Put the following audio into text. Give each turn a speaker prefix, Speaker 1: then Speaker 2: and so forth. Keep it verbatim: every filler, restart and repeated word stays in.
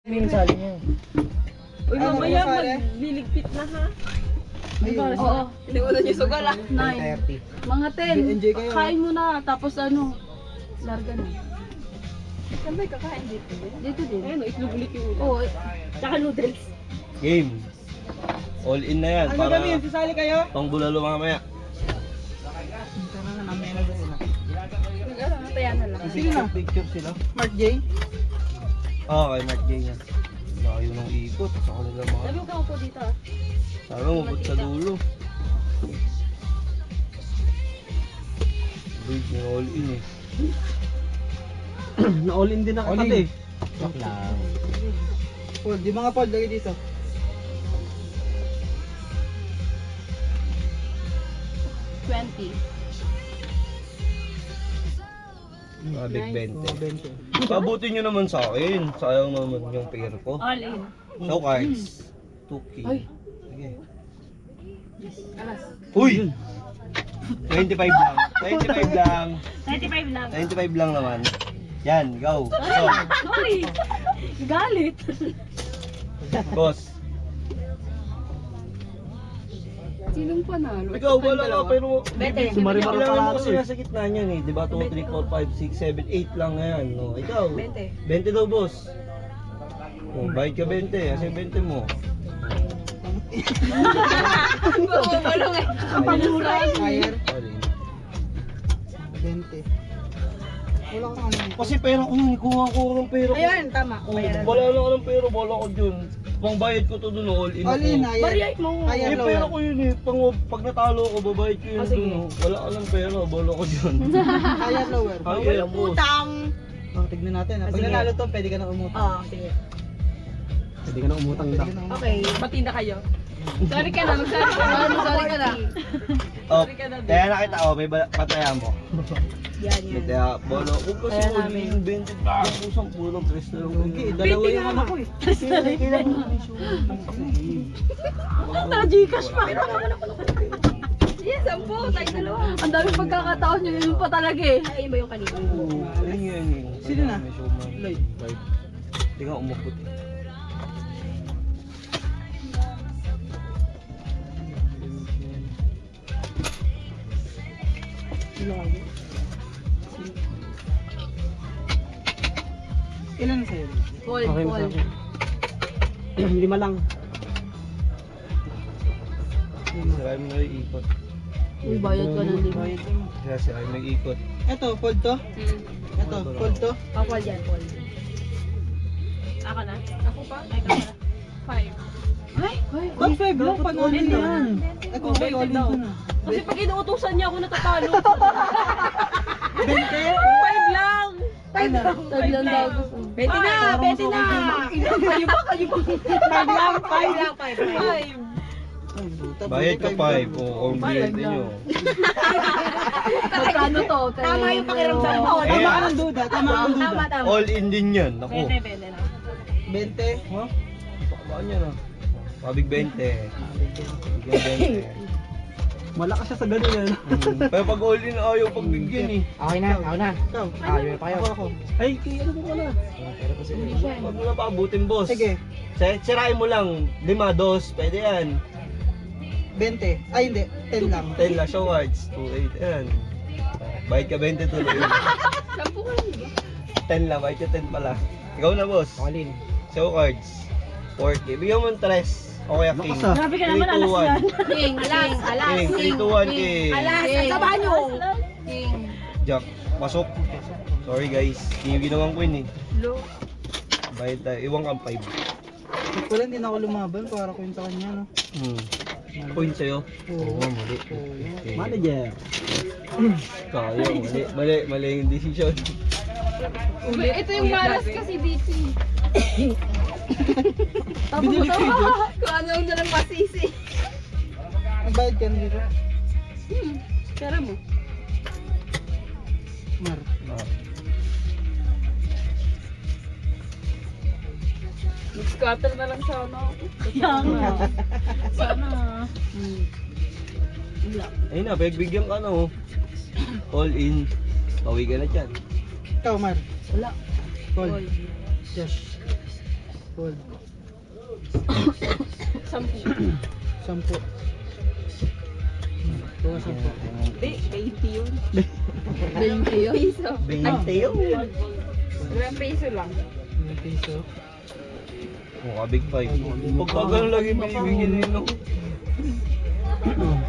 Speaker 1: Minasali niyo.
Speaker 2: Uy, mamaya magliligpit na ha.
Speaker 3: Ayun.
Speaker 2: Oo. Iniulan niyo sugal ah.
Speaker 3: Nine.
Speaker 1: thirty.
Speaker 3: Mga ten.
Speaker 1: Enjoy kayo.
Speaker 3: Kain mo na, tapos ano, larga na.
Speaker 2: Saan ba kakain dito?
Speaker 3: Dito din.
Speaker 2: Ayun, itlog ulit yung ulam.
Speaker 3: Oo.
Speaker 2: Tsaka noodles.
Speaker 4: Game. All in na yan.
Speaker 1: Ano
Speaker 4: Para
Speaker 1: kami? Sasali kayo?
Speaker 4: pang bulalo mamaya.
Speaker 1: Tara na, mamaya na ba sila?
Speaker 2: Ano, nataya na lang.
Speaker 1: Sino na?
Speaker 4: Picture sila.
Speaker 1: Mark J?
Speaker 4: Oo, kay Mark J yan. Layo ng ikot. Sa kanila mga.
Speaker 2: Sabi ko po dito ah.
Speaker 4: Sabi mo, mabot sa dulo. Wait, may all in eh.
Speaker 1: Na-all in din na
Speaker 4: All in.
Speaker 1: katabi. Joke lang. Paul, di mga Paul, lagi dito.
Speaker 3: twenty.
Speaker 4: Mga big twenty.
Speaker 1: Oh, twenty.
Speaker 4: Pabutin nyo naman sa akin. Sayang naman yung pair ko.
Speaker 2: All in.
Speaker 4: No cards. two K.
Speaker 3: Ay.
Speaker 4: Sige.
Speaker 3: Alas.
Speaker 4: Uy! twenty-five lang. twenty-five lang.
Speaker 2: thirty-five lang.
Speaker 4: twenty-five lang naman. Yan, go. Go.
Speaker 2: Sorry. Galit.
Speaker 4: Boss.
Speaker 3: Sinong panalo?
Speaker 4: Ikaw, wala ka, pero
Speaker 2: Bete.
Speaker 4: Sumari-mari
Speaker 1: Sumari-mari
Speaker 4: mo
Speaker 1: pala
Speaker 4: kasi
Speaker 1: ako eh.
Speaker 4: nasa gitna niyan eh. Diba? two, three, four, five, six, seven, eight lang na yan. No? Ikaw,
Speaker 2: Bente.
Speaker 4: twenty daw, boss. Oh, bayad ka twenty. Kasi twenty mo.
Speaker 2: Bumulong eh.
Speaker 1: Fire,
Speaker 4: Sorry.
Speaker 1: twenty. Wala kang ano.
Speaker 4: Kasi pera ko yun. Kuha ko ng pera ko.
Speaker 2: Ayun, tama.
Speaker 4: Oh, wala lang ako ng pera. Wala ko dun. Pang bayad ko to dun. All in
Speaker 1: All in,
Speaker 4: ako.
Speaker 1: ayan.
Speaker 2: Bariyay mo.
Speaker 1: Ayan,
Speaker 4: Eh, pera ko yun eh. Pang, pag natalo ko, babayad ko yun
Speaker 2: Ah, sige.
Speaker 4: dun. oh. Wala ka ng pera. Wala ko dun.
Speaker 1: Higher, lower.
Speaker 4: Ay, boss.
Speaker 2: Utang.
Speaker 1: Oh, tignan natin. ah. Pag
Speaker 2: Sige.
Speaker 1: nanalo to, pwede ka na umutang.
Speaker 2: Oo, sige.
Speaker 1: Pwede ka na umutang daw.
Speaker 2: Okay, matinda kayo. Sorry ka na, mag-sorry ka na.
Speaker 3: Sorry ka na.
Speaker 4: Oh,
Speaker 2: Sorry ka na, babe.
Speaker 4: kaya nakita ko, may ba- pataya mo.
Speaker 2: Yan, yan.
Speaker 4: Kaya, bolo. Kung kasi
Speaker 3: Kaya
Speaker 4: all
Speaker 3: namin.
Speaker 4: in, twenty lang. Pusang pulong, tres na lang.
Speaker 1: Okay, dalawa
Speaker 2: Pwede
Speaker 1: yung
Speaker 2: nga
Speaker 1: ano ko eh.
Speaker 2: Na-Gcash pa. Yes, sampo. Tayo dalawa.
Speaker 3: Ang daming pagkakataon nyo, yun pa talaga eh.
Speaker 2: Ay, yun ba yung kanina?
Speaker 4: Oo, yun yun yun.
Speaker 1: Sino na?
Speaker 4: May showman.
Speaker 1: Lloyd.
Speaker 4: Lloyd. Hindi ka umukot.
Speaker 1: Ilan sa'yo?
Speaker 3: Paul, Paul.
Speaker 1: Lima lang.
Speaker 4: Sira mo na yung ikot.
Speaker 3: Uy, bayad ka ng lima.
Speaker 4: Kaya sira mo yung ikot.
Speaker 1: Ito, fold to.
Speaker 2: Hmm.
Speaker 1: Ito, fold to.
Speaker 2: Oh, Paul yan, Paul. Ako na? Ako pa? Ay, ka na. Five.
Speaker 3: Ay, ay,
Speaker 1: Top five lang, panalo
Speaker 2: Bente
Speaker 1: yan. Ito,
Speaker 2: Oh,
Speaker 1: okay,
Speaker 2: bente
Speaker 1: all in
Speaker 2: daw.
Speaker 1: ko na.
Speaker 2: Kasi pag inuutusan niya ako natatalo.
Speaker 1: Bente?
Speaker 2: Five lang!
Speaker 1: Five lang.
Speaker 3: Tag lang daw gusto.
Speaker 2: Bente na! Bente na! Kayo ba? Kayo ba?
Speaker 1: Five lang,
Speaker 2: Five lang, five. Five.
Speaker 1: Ay, buta,
Speaker 4: Bayad
Speaker 1: buta,
Speaker 4: ka five. O, kung
Speaker 3: Five
Speaker 4: biyente
Speaker 3: lang.
Speaker 4: nyo.
Speaker 3: Magkano to?
Speaker 2: Tama yung pakiramdam mo.
Speaker 1: Tama
Speaker 4: Eh,
Speaker 1: ka ng duda, tama ka ng duda.
Speaker 2: Tama, tama.
Speaker 4: All in din yan. Ako.
Speaker 2: Bente, bente na.
Speaker 1: Bente.
Speaker 4: Ha? Pakabaan yan ah. Pabig twenty. Bigyan twenty.
Speaker 1: Malakas siya sa ganun yan.
Speaker 4: Hmm. Pero pag all in ayaw pagbigyan eh.
Speaker 1: Okay na, ako na. Ikaw. Ayaw pa kayo. Ako, ako. Ay, kaya ano mo ka na?
Speaker 3: Hindi siya.
Speaker 4: Huwag mo na paabutin, boss.
Speaker 1: Sige,
Speaker 4: Si- Sirain mo lang. Lima, dos. Pwede yan.
Speaker 1: bente. Ay, hindi. ten lang.
Speaker 4: ten lang siya wards. two, eight. Yan. Bayad ka twenty tuloy.
Speaker 3: Sampu ka lang, di ba?
Speaker 4: ten lang. Bayad ka ten pala. Ikaw na, boss.
Speaker 1: Alin.
Speaker 4: Show cards. four K. Bigyan mo ng tres. O kaya king.
Speaker 1: Lakas ah.
Speaker 2: Grabe ka naman, alas yan.
Speaker 3: King, king, alas,
Speaker 4: King. three, two, one, king.
Speaker 2: Alas,
Speaker 3: King.
Speaker 2: sa banyo.
Speaker 3: king.
Speaker 4: Jack. Pasok. Sorry guys. Hindi yung ginawang queen eh.
Speaker 2: Lo.
Speaker 4: Bayad tayo. Iwang kang five.
Speaker 1: Wala, hindi na ako lumaban para ko yun sa kanya, no?
Speaker 4: Hmm. Point sa'yo.
Speaker 1: Oo.
Speaker 4: mali. Okay.
Speaker 1: Manager.
Speaker 4: Kaya, mali. Mali. Mali yung decision.
Speaker 3: Ito yung malas kasi dito. Tapos
Speaker 1: Binili ko yun.
Speaker 2: Kung ano yung nalang masisi.
Speaker 1: Nagbayad ka na dito?
Speaker 3: Hmm, pera mo.
Speaker 1: Mar.
Speaker 4: Ah.
Speaker 3: Mag-scatter na lang sana ako.
Speaker 2: Kaya nga. Sana.
Speaker 3: Hmm. Wala.
Speaker 4: Ayun na, pagbigyan ka na oh. All in. Pawi ka na dyan.
Speaker 1: Ikaw, Mar.
Speaker 3: Wala.
Speaker 1: Call.
Speaker 3: Paul.
Speaker 1: Josh. Paul.
Speaker 2: Sampu.
Speaker 1: Sampo. Tuwa sampo.
Speaker 2: Hindi, eighty yun.
Speaker 3: twenty yun. Piso.
Speaker 4: twenty yun.
Speaker 3: Ilang piso lang.
Speaker 1: Yung piso.
Speaker 4: Mukha big five. Pagka ganun lagi binibigyan nyo.